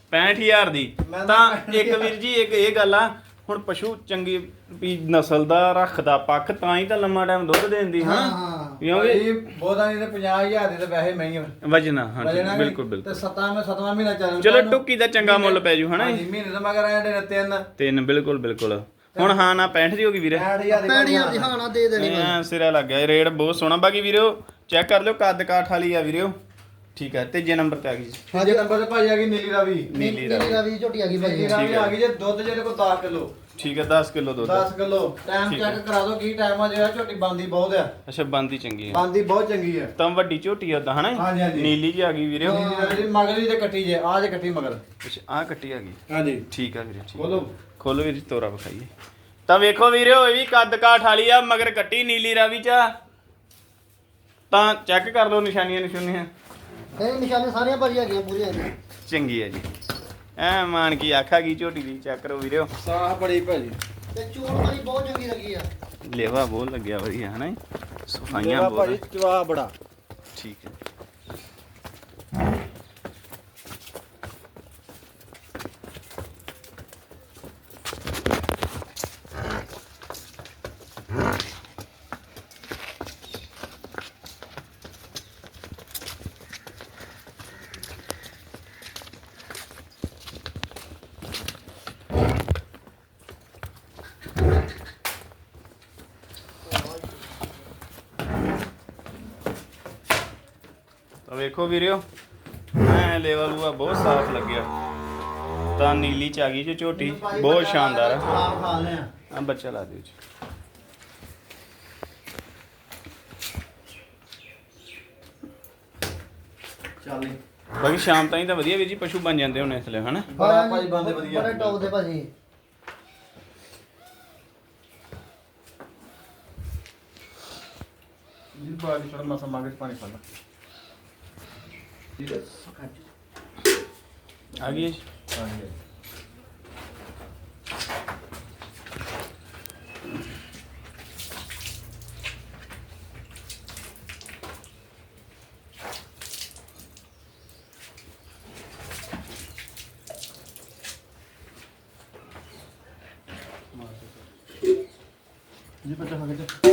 Speaker 1: 65000 ਦੀ ਤਾਂ ਇੱਕ ਵੀਰ ਜੀ ਇੱਕ ਇਹ ਗੱਲ ਆ ਹੁਣ ਪਸ਼ੂ ਚੰਗੀ ਵੀ ਨਸਲ ਦਾ ਰੱਖਦਾ ਪੱਖ ਤਾਂ ਹੀ ਤਾਂ ਲੰਮਾ ਟਾਈਮ ਦੁੱਧ ਦੇਂਦੀ ਹਾਂ ਕਿਉਂਕਿ
Speaker 3: ਭਾਜੀ ਬਹੁਤਾ ਨਹੀਂ ਤੇ 50000 ਦੀ ਤੇ ਵੈਸੇ ਮਹਿੰਗੀ
Speaker 1: ਵਜਨਾ ਹਾਂਜੀ ਬਿਲਕੁਲ ਬਿਲਕੁਲ
Speaker 3: ਤੇ 7ਵਾਂ ਮਹੀਨਾ ਚੱਲ
Speaker 1: ਚਲੋ ਟੁੱਕੀ ਦਾ ਚੰਗਾ ਮੁੱਲ ਪੈ ਜੂ ਹਨਾ
Speaker 3: ਹਾਂਜੀ ਮਹੀਨੇ ਦਾ ਮਗਰ ਆਏ ਨੇ ਤਿੰਨ
Speaker 1: ਬਿਲਕੁਲ ਬਿਲਕੁਲ ਹੁਣ ਹਾਂ ਨਾ 65 ਦੀ ਹੋ ਗਈ ਵੀਰੇ
Speaker 2: 65,000 ਦੀ ਹਾਂ ਨਾ ਦੇ ਦੇਣੀ
Speaker 1: ਐ ਸਿਰਾ ਲੱਗ ਗਿਆ ਰੇਟ ਬਹੁਤ ਸੋਹਣਾ ਬਾਕੀ ਵੀਰੋ ਚੈੱਕ ਕਰ ਲਿਓ ਕੱਦ ਕਾਠ ਵਾਲੀ ਆ ਵੀਰੋ ਠੀਕ ਹੈ ਤੀਜੇ ਨੰਬਰ ਤੇ ਆ ਗਈ
Speaker 3: ਹਾਂਜੀ ਨੰਬਰ ਤੇ ਭਾਜੀ ਆ ਗਈ ਨੀਲੀ ਰਾਵੀ
Speaker 1: ਨੀਲੀ
Speaker 2: ਰਾਵੀ ਝੋਟੀ ਆ ਗਈ ਭਾਜੀ
Speaker 3: ਨੀਲੀ ਰਾਵੀ ਆ ਗਈ ਜੇ ਦੁੱਧ ਜਿਹੜੇ ਕੋਲ 10 ਕਿਲੋ
Speaker 1: ਠੀਕ ਹੈ 10 ਕਿਲੋ ਦੁੱਧ
Speaker 3: 10 ਕਿਲੋ ਟਾਈਮ ਚੈੱਕ ਕਰਾ ਦਿਓ ਕੀ ਟਾਈਮ ਆ ਜਿਹੜਾ ਝੋਟੀ ਬੰਦੀ ਬਹੁਤ ਆ
Speaker 1: ਅੱਛਾ ਬੰਦੀ ਚੰਗੀ ਹੈ
Speaker 3: ਬੰਦੀ ਬਹੁਤ ਚੰਗੀ ਆ
Speaker 1: ਤਾਂ ਵੱਡੀ ਝੋਟੀ ਆ ਉਦਾਂ ਹਨਾ
Speaker 3: ਹਾਂਜੀ ਹਾਂਜੀ
Speaker 1: ਨੀਲੀ ਜੀ ਆ ਗਈ ਵੀਰੇ
Speaker 3: ਨੀਲੀ ਰਾਵੀ ਮਗਰ ਵੀ ਤੇ ਕੱਟੀ ਜੇ ਆ ਜੇ ਕੱਟੀ ਮਗਰ
Speaker 1: ਅੱਛਾ ਆ ਕੱਟੀ ਆ ਗਈ
Speaker 3: ਹਾਂਜੀ
Speaker 1: ਠੀਕ ਆ ਵੀਰੇ ਠੀਕ
Speaker 3: ਖੋਲੋ
Speaker 1: ਖੋਲੋ ਵੀਰੇ ਤੋਰਾ ਵਿਖਾਈਏ ਤਾਂ ਵੇਖੋ ਵੀਰੇ ਇਹ ਵੀ ਕੱਦ ਕਾਠ ਵਾਲੀ ਆ ਮਗਰ ਕੱਟੀ ਨੀਲੀ ਰਾਵੀ ਚ ਆ। ਤਾਂ ਚੈੱਕ ਕਰ ਲਓ ਨਿਸ਼ਾਨੀਆਂ ਨਿਸ਼ਾਨੀਆਂ
Speaker 2: ਇਹ ਨਿਸ਼ਾਨੇ ਸਾਰੀਆਂ ਭਾਜੀ ਹੈਗੀਆਂ ਪੂਰੀਆਂ
Speaker 1: ਚੰਗੀ ਹੈ ਜੀ ਐ ਮਾਨ ਕੀ ਆਖਾ ਗਈ ਝੋਟੀ ਦੀ ਚੈੱਕ ਕਰੋ ਵੀਰੇ
Speaker 3: ਸਾਹ ਬੜੀ ਭਾਜੀ
Speaker 2: ਤੇ ਚੋਣ ਵਾਲੀ ਬਹੁਤ ਚੰਗੀ ਲੱਗੀ ਆ
Speaker 1: ਲੇਵਾ ਬਹੁਤ ਲੱਗਿਆ ਵਧੀਆ ਹਨਾ ਸਫਾਈਆਂ ਬਹੁਤ
Speaker 3: ਭਾਜੀ ਚਵਾ ਬੜਾ
Speaker 1: ਠੀਕ ਹੈ ਤਾਂ ਵੇਖੋ ਵੀਰਿਓ ਐ ਲੈਵਲ ਉਹ ਬਹੁਤ ਸਾਫ਼ ਲੱਗਿਆ ਤਾਂ ਨੀਲੀ ਚ ਆ ਗਈ ਜੋ ਝੋਟੀ ਬਹੁਤ ਸ਼ਾਨਦਾਰ ਹੈ
Speaker 3: ਖਾ ਲੈ
Speaker 1: ਆ ਬੱਚਾ ਲਾ ਦਿਓ ਜੀ
Speaker 3: ਚੱਲ
Speaker 1: ਬਾਕੀ ਸ਼ਾਮ ਤਾਈਂ ਤਾਂ ਵਧੀਆ ਵੀਰ ਜੀ ਪਸ਼ੂ ਬਣ ਜਾਂਦੇ ਹੋਣੇ ਇਸ ਲਈ ਹਨਾ
Speaker 3: ਬੜਾ ਭਾਜੀ ਬੰਦੇ ਵਧੀਆ
Speaker 2: ਬੜੇ ਟੌਪ ਦੇ ਭਾਜੀ
Speaker 3: ਜੀ ਬਾਜੀ ਥੋੜਾ ਮਸਾ ਮਾਗੇ ਪਾਣੀ ਪਾ ਲਾ
Speaker 1: ਆ ਗਈ ਜੀ
Speaker 3: ਹਾਂਜੀ ਜੀ ਪਤਾ ਹੋ ਗਿਆ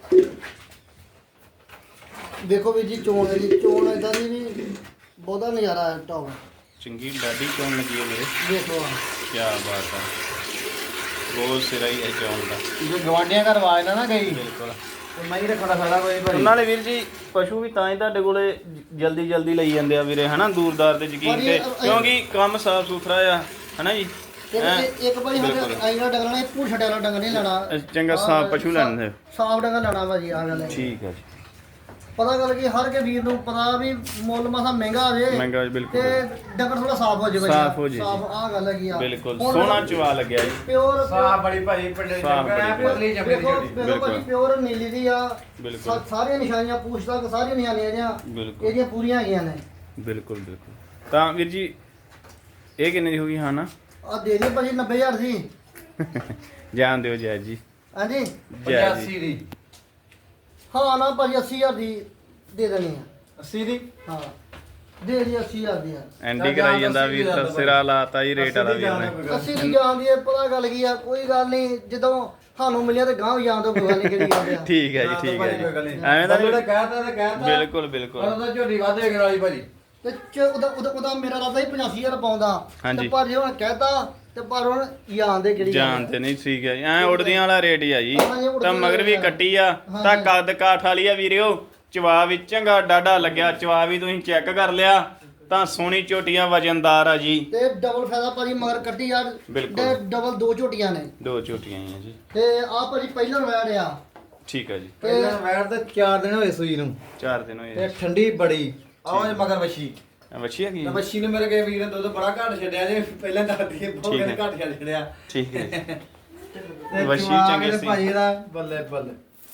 Speaker 2: ਦੇਖੋ ਵੀਰ ਜੀ ਚੋਣ ਇਦਾਂ ਦੀ ਵੀ ਬਹੁਤਾ ਨਜ਼ਾਰਾ ਹੈ ਟੌਪ
Speaker 1: ਚੰਗੀ ਡਾਡੀ ਚੌਣ ਲੱਗੀ ਹੈ ਮੇਰੇ
Speaker 2: ਦੇਖੋ ਆ
Speaker 1: ਕੀ ਬਾਤ ਹੈ ਬਹੁਤ ਸਿਰਾ ਹੀ ਹੈ ਚੌਣ ਦਾ
Speaker 3: ਜੇ ਗਵਾਂਡੀਆਂ ਘਰ ਆਵਾਜ਼ ਨਾ ਗਈ
Speaker 1: ਬਿਲਕੁਲ
Speaker 3: ਤੇ ਮੈਂ ਹੀ ਰੱਖਣਾ ਸਾਡਾ ਕੋਈ ਭਾਈ
Speaker 1: ਨਾਲੇ ਵੀਰ ਜੀ ਪਸ਼ੂ ਵੀ ਤਾਂ ਹੀ ਤੁਹਾਡੇ ਕੋਲੇ ਜਲਦੀ ਲਈ ਜਾਂਦੇ ਆ ਵੀਰੇ ਹਨਾ ਦੂਰਦਾਰ ਦੇ ਯਕੀਨ ਤੇ ਕਿਉਂਕਿ ਕੰਮ ਸਾਫ ਸੁਥਰਾ ਆ ਹਨਾ ਜੀ
Speaker 2: ਤੇ ਇੱਕ ਭਾਈ ਸਾਡੇ ਆਈਨਾ ਡੰਗਰ ਨੇ ਪੂਰ ਛੱਡਿਆ ਵਾਲਾ ਡੰਗਰ ਨਹੀਂ ਲੈਣਾ
Speaker 1: ਚੰਗਾ ਸਾਫ ਪਸ਼ੂ ਲੈਣੇ
Speaker 2: ਸਾਫ ਡੰਗਰ ਲੈਣਾ ਭਾਜੀ ਆ ਗੱਲ ਹੈ
Speaker 1: ਠੀਕ ਹੈ ਜੀ
Speaker 2: ਪਤਾ ਗੱਲ ਕੀ ਹਰ ਕੇ ਵੀਰ ਨੂੰ ਪਤਾ ਵੀ ਮੁੱਲ ਮਸਾ ਮਹਿੰਗਾ ਆ ਜੇ
Speaker 1: ਮਹਿੰਗਾ ਬਿਲਕੁਲ
Speaker 2: ਤੇ ਡੰਗਰ ਥੋੜਾ ਸਾਫ ਹੋ ਜੇ ਭਾਈ
Speaker 1: ਸਾਫ਼ ਹੋ ਜੇ
Speaker 2: ਸਾਫ ਆ ਗੱਲ ਹੈਗੀ ਆ
Speaker 1: ਬਿਲਕੁਲ ਸੋਹਣਾ ਚਵਾ ਲੱਗਿਆ ਜੀ
Speaker 2: ਪਿਓਰ
Speaker 3: ਸਾਹ ਬੜੀ ਭਾਈ ਪਿੰਡੇ
Speaker 1: ਸਾਫ਼ ਬੜੀ
Speaker 3: ਪਤਲੀ ਜੰਮੀ ਦੀ ਝੋਟੀ
Speaker 2: ਦੇਖੋ ਭਾਜੀ ਪਿਓਰ ਨੀਲੀ ਦੀ ਆ
Speaker 1: ਬਿਲਕੁਲ
Speaker 2: ਸਾਰੀਆਂ ਨਿਸ਼ਾਨੀਆਂ ਪੂਛ ਤੱਕ ਸਾਰੀਆਂ ਨਿਸ਼ਾਨੀਆਂ ਇਹਦੀਆਂ
Speaker 1: ਬਿਲਕੁਲ
Speaker 2: ਇਹਦੀਆਂ ਪੂਰੀਆਂ ਹੈਗੀਆਂ ਨੇ
Speaker 1: ਬਿਲਕੁਲ ਤਾਂ ਵੀਰ ਜੀ ਇਹ ਕਿੰਨੇ ਦੀ ਹੋ ਗਈ ਹਾਂ ਨਾ
Speaker 2: ਆ ਦੇ ਦੇ ਭਾਜੀ 90000 ਦੀ
Speaker 1: ਜਾਣ ਦਿਓ ਜੈ ਜੀ
Speaker 2: ਹਾਂਜੀ
Speaker 1: ਜੈ ਜੀ
Speaker 3: 85 ਦੀ
Speaker 2: ਹਾਂ ਨਾ ਭਾਜੀ 80000 ਦੀ ਦੇ ਦੇਣੀ ਆ
Speaker 3: 80 ਦੀ
Speaker 2: ਹਾਂ ਦੇ ਦੀ 80000 ਦੀ ਆ
Speaker 1: ਐਂਡੀ ਕਰਾਈ ਜਾਂਦਾ ਵੀਰ ਤਾਂ ਸਿਰਾ ਲਾਤਾ ਜੀ ਰੇਟ ਵਾਲਾ ਵੀਰ ਨੇ
Speaker 2: 80 ਦੀ ਜਾਣ ਦੀ ਹੈ, ਪਤਾ ਗੱਲ ਕੀ ਆ ਕੋਈ ਗੱਲ ਨਹੀਂ ਜਦੋਂ ਸਾਨੂੰ ਮਿਲਿਆ ਤੇ ਗਾਂਹ ਜਾਣ ਤੋਂ ਕੋਈ ਗੱਲ ਨਹੀਂ ਕਿਹੜੀ ਗੱਲ ਆ
Speaker 1: ਠੀਕ ਹੈ ਜੀ ਠੀਕ ਹੈ ਜੀ ਐਵੇਂ ਤਾਂ
Speaker 3: ਜਿਹੜਾ ਕਹਿਤਾ ਤੇ ਕਹਿਤਾ
Speaker 1: ਬਿਲਕੁਲ ਬਿਲਕੁਲ
Speaker 3: ਉਹਦਾ ਝੋਟੀ ਵਾਧੇ ਕਰਨ ਵਾਲੀ ਭਾਜੀ
Speaker 2: ਤੇ ਉਹਦਾ ਮੇਰਾ ਰਾਦਾ ਹੀ 85000 ਪਾਉਂਦਾ
Speaker 1: ਹਾਂਜੀ।
Speaker 2: ਤੇ ਪਰ ਜੇ ਹੁਣ ਕਹਿਤਾ ਤੇ ਪਰ ਹੁਣ ਜਾਣਦੇ ਕਿਹੜੀ ਗੱਲ ਆ।
Speaker 1: ਜਾਣਦੇ ਨਹੀਂ ਠੀਕ ਹੈ ਜੀ ਐ ਉੜਦੀਆਂ ਵਾਲਾ ਰੇਟ ਹੀ ਆ ਜੀ
Speaker 2: ਹਾਂ, ਇਹ ਉੜਦੀਆਂ
Speaker 1: ਤਾਂ ਮਗਰ ਵੀ
Speaker 2: ਵਾਲਾ।
Speaker 1: ਕੱਟੀ ਆ ਤਾਂ ਕੱਦ ਕਾਠ ਵਾਲੀ ਆ ਵੀਰਿਓ ਚਵਾ ਵੀ ਚੰਗਾ ਡਾਡਾ ਲੱਗਿਆ ਚਵਾ ਵੀ ਤੁਸੀਂ ਚੈੱਕ ਕਰ ਲਿਆ ਤਾਂ ਸੋਹਣੀ ਝੋਟੀਆਂ ਵਜਨਦਾਰ ਆ ਜੀ
Speaker 2: ਤੇ ਡਬਲ ਫਾਇਦਾ ਭਾਜੀ ਮਗਰ ਕੱਟੀ ਯਾਰ
Speaker 1: ਬਿਲਕੁਲ।
Speaker 2: ਤੇ ਡਬਲ ਦੋ ਝੋਟੀਆਂ ਨੇ
Speaker 1: ਦੋ ਝੋਟੀਆਂ ਹੀ ਆ ਜੀ
Speaker 2: ਤੇ ਆ ਭਾਜੀ ਪਹਿਲਾਂ ਵੈੜ ਆ
Speaker 1: ਠੀਕ ਹੈ ਜੀ
Speaker 3: ਪਹਿਲਾਂ ਵੈਰ ਤੇ 4 ਦਿਨ ਹੋਏ ਸੂਈ ਨੂੰ
Speaker 1: 4 ਦਿਨ ਹੋਏ
Speaker 3: ਤੇ ਠੰਡੀ ਬੜੀ ਆਹ ਮਗਰ ਵਸ਼ੀ
Speaker 1: ਵੱਛੀ ਆ ਕੀ
Speaker 3: ਤੇ ਵਸ਼ੀ ਨੂੰ ਮੇਰੇ ਕੇ ਵੀਰ ਨੇ ਦੁੱਧ ਬੜਾ ਘੱਟ ਛੱਡਿਆ ਜੇ ਪਹਿਲਾਂ ਦੱਸਦੀ ਬਹੁਤ
Speaker 1: ਠੀਕ ਹੈ।
Speaker 3: ਘੱਟ ਛੱਡਿਆ
Speaker 1: ਠੀਕ ਹੈ
Speaker 3: ਤੇ
Speaker 1: ਵਸ਼ੀ
Speaker 3: ਚਵਾ
Speaker 1: ਚੰਗੇ
Speaker 3: ਕੇ
Speaker 1: ਸੀ।
Speaker 3: ਭਾਜੀ ਦਾ ਬੱਲੇ ਬੱਲੇ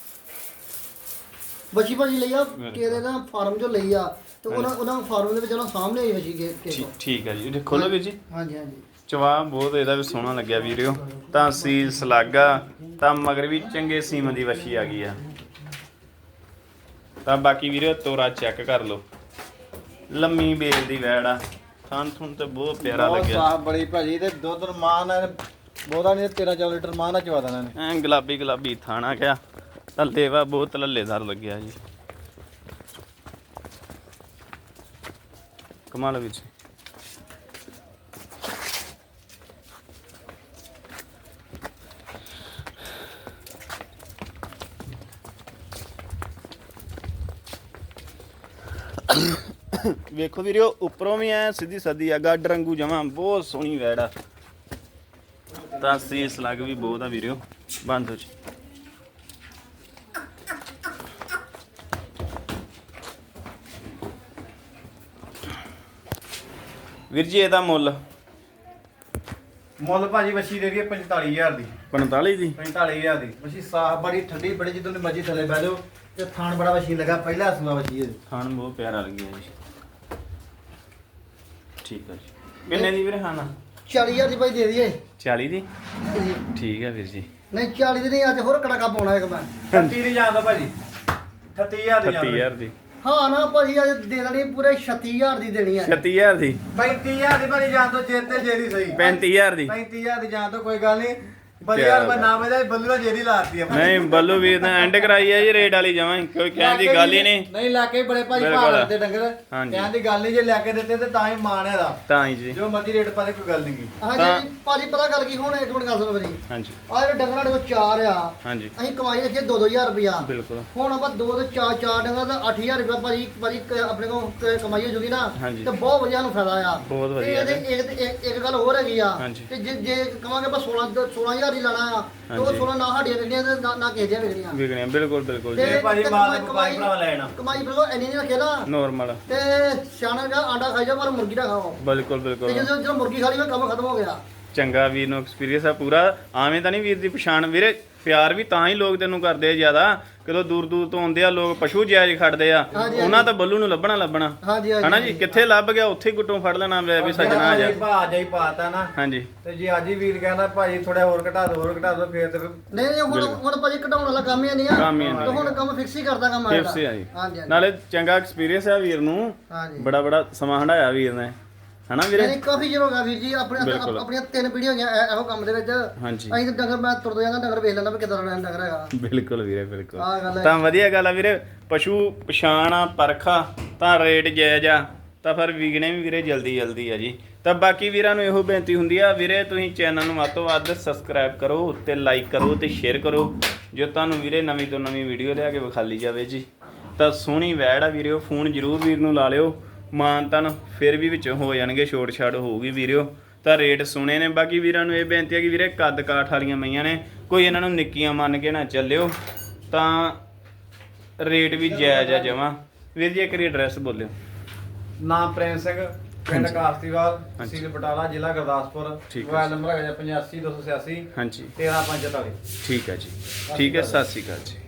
Speaker 2: ਬੱਚੀ ਭਾਜੀ ਲਈ ਆ ਕਿਹਦੇ ਦਾ ਫਾਰਮ ਚੋਂ ਲਈ ਆ ਤੇ ਉਹਨਾਂ ਫਾਰਮ ਦੇ ਵਿੱਚ ਉਹਨਾਂ ਸਾਹਮਣੇ ਆਈ ਬੱਚੀ ਕੇ
Speaker 1: ਠੀਕ ਹੈ ਜੀ ਇਹ ਖੋਲੋ ਵੀਰ ਜੀ
Speaker 2: ਹਾਂਜੀ ਹਾਂਜੀ
Speaker 1: ਚਵਾ ਬਹੁਤ ਇਹਦਾ ਵੀ ਸੋਹਣਾ ਲੱਗਿਆ ਵੀਰਿਓ ਤਾਂ ਸੀਲ ਸਲਾਗਾ ਤਾਂ ਮਗਰ ਵੀ ਚੰਗੇ ਸੀਮ ਦੀ ਵੱਛੀ ਆ ਗਈ ਆ ਤਾਂ ਬਾਕੀ ਵੀਰਿਓ ਤੋਰਾ ਚੈੱਕ ਕਰ ਲਓ ਲੰਮੀ ਬੇਲ ਦੀ ਵੈੜ ਆ ਥਣ ਥੁਣ ਤੇ ਬਹੁਤ ਪਿਆਰਾ
Speaker 3: ਬਹੁਤ
Speaker 1: ਲੱਗਿਆ
Speaker 3: ਸਾਫ ਬੜੀ ਭਾਜੀ ਤੇ ਦੁੱਧ ਮਾਨ ਹੈ ਬਹੁਤਾ ਨਹੀਂ 13-14 ਲੀਟਰ ਮਾਨ ਨਾਲ ਚਵਾ ਦੇਣਾ ਨੇ
Speaker 1: ਐ ਗੁਲਾਬੀ ਥਾਣਾ ਕਿਆ ਥੱਲੇ ਵਾ ਬਹੁਤ ਲੱਲੇਦਾਰ ਲੱਗਿਆ ਜੀ ਕਮਾਲ ਵਿੱਚ ਵੇਖੋ ਵੀਰੋ ਉੱਪਰੋਂ ਵੀ ਐ ਸਿੱਧੀ ਸੱਦੀ ਆ ਗੱਡ ਰੰਗੂ ਜਮਾ ਬਹੁਤ ਸੋਹਣੀ ਵੈੜ ਆ ਤਾਂ ਸੀਸ ਲੱਗ ਵੀ ਬਹੁਤ ਆ ਵੀਰੋ ਬੰਦ ਹੋ ਜੀ ਵੀਰ ਜੀ ਇਹਦਾ ਮੁੱਲ
Speaker 3: ਭਾਜੀ ਵੱਛੀ ਦੇ ਰਹੀ ਹੈ 45000 ਦੀ
Speaker 1: 45 ਦੀ
Speaker 3: 45000 ਦੀ ਵੱਛੀ ਸਾਫ ਬੜੀ ਠੰਡੀ ਬੜੀ ਜਦੋਂ ਦੀ ਮਰਜ਼ੀ ਥੱਲੇ ਬਹਿ ਜਾਓ ਤੇ ਥਾਣ ਬੜਾ ਵੱਛੀ ਲੱਗਾ ਪਹਿਲਾ ਸੂਆ ਵੱਛੀ ਹੈ
Speaker 1: ਖਾਣ ਬਹੁਤ ਪਿਆਰਾ ਲੱਗਿਆ ਜੀ ਠੀਕ ਆ ਜੀ ਕਿੰਨੇ ਦੀ ਵੀਰੇ ਖਾਣਾ
Speaker 2: 40000 ਦੀ ਭਾਈ ਦੇ ਦਈਏ
Speaker 1: 40 ਦੀ
Speaker 2: ਜੀ।
Speaker 1: ਠੀਕ ਹੈ ਵੀਰ ਜੀ
Speaker 2: ਨਹੀਂ 40 ਦੀ ਨਹੀਂ ਅੱਜ ਹੋਰ ਕੜਾਕਾ ਪਾਉਣਾ ਇੱਕ ਮੈਂ
Speaker 3: 38 ਦੀ ਜਾਂਦਾ ਭਾਜੀ 38000 ਦੀ
Speaker 1: 30000 ਦੀ
Speaker 2: ਹਾਂ ਨਾ ਭਾਜੀ ਅੱਜ ਦੇ ਦੇਣੀ ਪੂਰੇ 36000 ਦੀ ਦੇਣੀ ਹੈ
Speaker 1: 36000 ਦੀ
Speaker 3: 35000 ਦੀ ਭਾਜੀ ਜਾਣ ਤੋਂ ਜੇਤੇ ਜੇਰੀ ਸਹੀ
Speaker 1: 35000 ਦੀ
Speaker 3: 35000 ਦੀ ਜਾਣ ਤੋਂ ਕੋਈ ਗੱਲ ਨਹੀਂ ਵਧੀਆ ਰੁਪਏ ਨਾ ਵਜਾ ਬੱਲੂ ਦਾ ਜੇਰੀ ਲਾਤੀ ਆ
Speaker 1: ਨਹੀਂ ਬੱਲੂ ਵੀਰ ਨੇ ਐਂਡ ਕਰਾਈ ਹੈ ਜੀ ਰੇਟ ਵਾਲੀ ਜਮਾਂ ਹੀ, ਕੋਈ ਕਹਿਣ ਦੀ ਗੱਲ ਹੀ ਨਹੀਂ
Speaker 3: ਨਹੀਂ ਲੈ ਕੇ ਬੜੇ ਭਾਜੀ
Speaker 1: ਬਿਲਕੁਲ।
Speaker 3: ਭਾਅ ਦੇ ਡੰਗਰ
Speaker 1: ਹਾਂਜੀ।
Speaker 3: ਕਹਿਣ ਦੀ ਗੱਲ ਨਹੀਂ ਜੇ ਲੈ ਕੇ ਦਿੱਤੇ ਤੇ ਤਾਂ ਹੀ ਮਾਣ ਹੈ ਦਾ
Speaker 1: ਤਾਂ ਹੀ ਜੀ
Speaker 3: ਜੋ ਮਰਜ਼ੀ ਰੇਟ ਪਾ ਦੇ ਕੋਈ ਗੱਲ ਨਹੀਂ
Speaker 2: ਹਾਂਜੀ ਭਾਜੀ ਪਤਾ ਗੱਲ ਕੀ ਹੁਣ ਇੱਕ ਮਿੰਟ ਗੱਲ ਸੁਣੋ ਮੇਰੀ
Speaker 1: ਹਾਂਜੀ
Speaker 2: ਆ ਜਿਹੜੇ ਡੰਗਰਾਂ ਦੇ ਕੋਲ 4 ਆ
Speaker 1: ਹਾਂਜੀ
Speaker 2: ਅਸੀਂ ਕਮਾਈ ਰੱਖੀ 2-2000 ਰੁਪਇਆ
Speaker 1: ਬਿਲਕੁਲ
Speaker 2: ਹੁਣ ਆਪਾਂ 2 ਤੇ 4 ਡੰਗਰਾਂ ਦਾ 8000 ਰੁਪਇਆ ਭਾਜੀ ਆਪਣੇ ਕੋਲ ਕਮਾਈ ਹੋ ਜੂਗੀ ਨਾ
Speaker 1: ਹਾਂਜੀ।
Speaker 2: ਤੇ ਬਹੁਤ ਵਧੀਆ ਨੂੰ ਫਾਇਦਾ ਆ
Speaker 1: ਬਹੁਤ
Speaker 2: ਤੇ
Speaker 1: ਵਧੀਆ
Speaker 2: ਇਹਦੇ ਇੱਕ ਗੱਲ ਹੋਰ ਹੈਗੀ ਆ
Speaker 1: ਹਾਂਜੀ।
Speaker 2: ਤੇ ਜੇ ਕਵਾਂਗੇ ਆਪਾਂ 16000 ਹੀ ਲਾਣਾ ਆ ਤੇ ਉਹ
Speaker 1: ਹਾਂਜੀ।
Speaker 2: 16 ਨਾ ਸਾਡੀਆਂ ਵਿਕਣੀਆਂ ਤੇ ਨਾ ਕਿਸੇ ਦੀਆਂ ਵਿਕਣੀਆਂ
Speaker 1: ਵਿਕਣਿਆ ਬਿਲਕੁਲ ਬਿਲਕੁਲ ਜੀ
Speaker 2: ਤੇ
Speaker 3: ਭਾਜੀ
Speaker 2: ਤੇ
Speaker 3: ਮਾਲ
Speaker 2: ਕਮਾਈ
Speaker 3: ਭਰਾ ਲੈਣਾ
Speaker 2: ਕਮਾਈ ਬਿਲਕੁਲ ਇੰਨੀ ਨਹੀਂ ਰੱਖੇ ਨਾ
Speaker 1: ਨੋਰਮਲ
Speaker 2: ਤੇ ਸਿਆਣਾ ਦਾ ਆਂਡਾ ਖਾਈ ਜਾ ਪਰ ਮੁਰਗੀ ਨਾ ਖਾਓ
Speaker 1: ਬਿਲਕੁਲ
Speaker 2: ਤੇ
Speaker 1: ਬਿਲਕੁਲ
Speaker 2: ਜਦੋਂ ਮੁਰਗੀ ਖਾ ਲਈ ਮੈਂ ਕੰਮ ਖਤਮ ਹੋ ਗਿਆ
Speaker 1: ਚੰਗਾ ਵੀਰ ਨੂੰ ਐਕਸਪੀਰੀਅੰਸ ਆ ਪੂਰਾ ਆਵੇਂ ਤਾਂ ਨਹੀਂ ਵੀਰ ਦੀ ਪਛਾਣ ਵੀਰੇ ਪਿਆਰ ਵੀ ਤਾਂ ਹੀ ਲੋਕ ਤੈਨੂੰ ਕਰਦੇ ਆ ਜ਼ਿਆਦਾ ਕਦੋਂ ਦੂਰ ਦੂਰ ਤੋਂ ਆਉਂਦੇ ਆ ਲੋਕ ਪਸ਼ੂ ਜਾਇਜ਼ ਖੜਦੇ ਆ
Speaker 2: ਹਾਂਜੀ,
Speaker 1: ਉਹਨਾਂ ਤਾਂ ਬੱਲੂ ਨੂੰ ਲੱਭਣਾ
Speaker 2: ਹਾਂਜੀ
Speaker 1: ਹਨਾ ਜੀ ਕਿੱਥੇ ਲੱਭ ਗਿਆ ਉੱਥੇ ਹੀ ਗੁੱਟੋਂ ਫੜ ਲੈਣਾ ਵੀ ਸੱਜਣਾ ਆ ਜਾ
Speaker 3: ਭਾਅ ਜਾਈ ਪਾਤਾ ਨਾ
Speaker 1: ਹਾਂਜੀ
Speaker 3: ਤੇ ਜੇ ਅੱਜ ਹੀ ਵੀਰ ਕਹਿੰਦਾ ਭਾਜੀ ਥੋੜਾ ਹੋਰ ਘਟਾ ਦੋ ਫੇਰ ਤੇ
Speaker 2: ਨਹੀਂ ਹੁਣ ਭਾਜੀ ਘਟਾਉਣ ਵਾਲਾ ਕੰਮ ਹੀ ਨਹੀਂ ਆ
Speaker 1: ਕੰਮ ਹੀ ਨਹੀਂ।
Speaker 2: ਤੇ ਹੁਣ ਕੰਮ ਫਿਕਸ ਹੀ ਕਰਦਾ ਕੰਮ
Speaker 1: ਟਿਪਸ ਆ ਜੀ
Speaker 2: ਹਾਂਜੀ
Speaker 1: ਨਾਲੇ ਚੰਗਾ ਐਕਸਪੀਰੀਅੰਸ ਆ ਵੀਰ ਨੂੰ
Speaker 2: ਹਾਂਜੀ
Speaker 1: ਬੜਾ ਸਮਾਂ ਹੰਡਾਇਆ ਵੀਰ ਨੇ ਹਨਾ ਵੀਰੇ
Speaker 2: ਨਹੀਂ ਕਾਫੀ ਚਿਰ ਹੋ ਗਿਆ ਵੀਰ ਜੀ
Speaker 1: ਬਿਲਕੁਲ।
Speaker 2: ਆਪਣੀਆਂ 3 ਪੀੜ੍ਹੀਆਂ ਹੋਈਆਂ ਇਹੋ ਕੰਮ ਦੇ ਵਿੱਚ
Speaker 1: ਹਾਂਜੀ
Speaker 2: ਅਸੀਂ ਤਾਂ ਡੰਗਰ ਮੈਂ ਤੁਰਦਾ ਜਾਂਦਾ ਡੰਗਰ ਵੇਖ ਲੈਂਦਾ ਵੀ ਕਿੱਦਾਂ ਦਾ ਡੰਗਰ ਹੈਗਾ
Speaker 1: ਬਿਲਕੁਲ ਵੀਰੇ ਬਿਲਕੁਲ
Speaker 2: ਆਹ ਗੱਲ ਹੈ
Speaker 1: ਤਾਂ ਵਧੀਆ ਗੱਲ ਆ ਵੀਰੇ ਪਸ਼ੂ ਪਛਾਣ ਆ ਪਰਖਾ ਤਾਂ ਰੇਟ ਜਾਇਜ਼ ਆ ਤਾਂ ਫਿਰ ਵਿਕਣੇ ਵੀ ਵੀਰੇ ਜਲਦੀ ਆ ਜੀ ਤਾਂ ਬਾਕੀ ਵੀਰਾਂ ਨੂੰ ਇਹੋ ਬੇਨਤੀ ਹੁੰਦੀ ਆ ਵੀਰੇ ਤੁਸੀਂ ਚੈਨਲ ਨੂੰ ਵੱਧ ਤੋਂ ਵੱਧ ਸਬਸਕ੍ਰਾਈਬ ਕਰੋ ਉੱਤੇ ਲਾਈਕ ਕਰੋ ਤੇ ਸ਼ੇਅਰ ਕਰੋ ਜੋ ਤੁਹਾਨੂੰ ਵੀਰੇ ਨਵੀਂ ਤੋਂ ਨਵੀਂ ਵੀਡੀਓ ਲਿਆ ਕੇ ਵਿਖਾਲੀ ਜਾਵੇ ਜੀ ਤਾਂ ਸੋਹਣੀ ਵੈੜ ਆ ਵੀਰਿਓ ਫੋਨ ਜ਼ਰੂਰ ਵੀਰ ਨੂੰ ਲਾ ਲਿਓ ਮਾਨ ਤਨ ਫਿਰ ਵੀ ਵਿੱਚ ਹੋ ਜਾਣਗੇ ਛੋਟ ਛਾੜ ਹੋਊਗੀ ਵੀਰਿਓ ਤਾਂ ਰੇਟ ਸੁਣੇ ਨੇ ਬਾਕੀ ਵੀਰਾਂ ਨੂੰ ਇਹ ਬੇਨਤੀ ਹੈ ਕਿ ਵੀਰੇ ਕੱਦ ਕਾਠ ਵਾਲੀਆਂ ਮਈਆਂ ਨੇ ਕੋਈ ਇਹਨਾਂ ਨੂੰ ਨਿੱਕੀਆਂ ਮੰਨ ਕੇ ਨਾ ਚੱਲਿਓ ਤਾਂ ਰੇਟ ਵੀ ਜਾਇਜ਼ ਆ ਜਮਾਂ ਵੀਰ ਜੀ ਇੱਕ ਰੀ ਐਡਰੈਸ ਬੋਲਿਓ
Speaker 3: ਨਾਮ ਪ੍ਰੇਮ ਸਿੰਘ ਪਿੰਡ ਕਾਸਤੀਵਾਲ
Speaker 1: ਹਾਂਜੀ।
Speaker 3: ਤਹਿਸੀਲ ਬਟਾਲਾ ਜ਼ਿਲ੍ਹਾ ਗੁਰਦਾਸਪੁਰ
Speaker 1: ਠੀਕ ਹੈ।
Speaker 3: ਮੋਬਾਈਲ ਨੰਬਰ ਹੈਗਾ 85 286
Speaker 1: ਹਾਂਜੀ
Speaker 3: 13544
Speaker 1: ਠੀਕ ਹੈ ਜੀ ਠੀਕ ਹੈ ਸਤਿ ਸ਼੍ਰੀ ਅਕਾਲ ਜੀ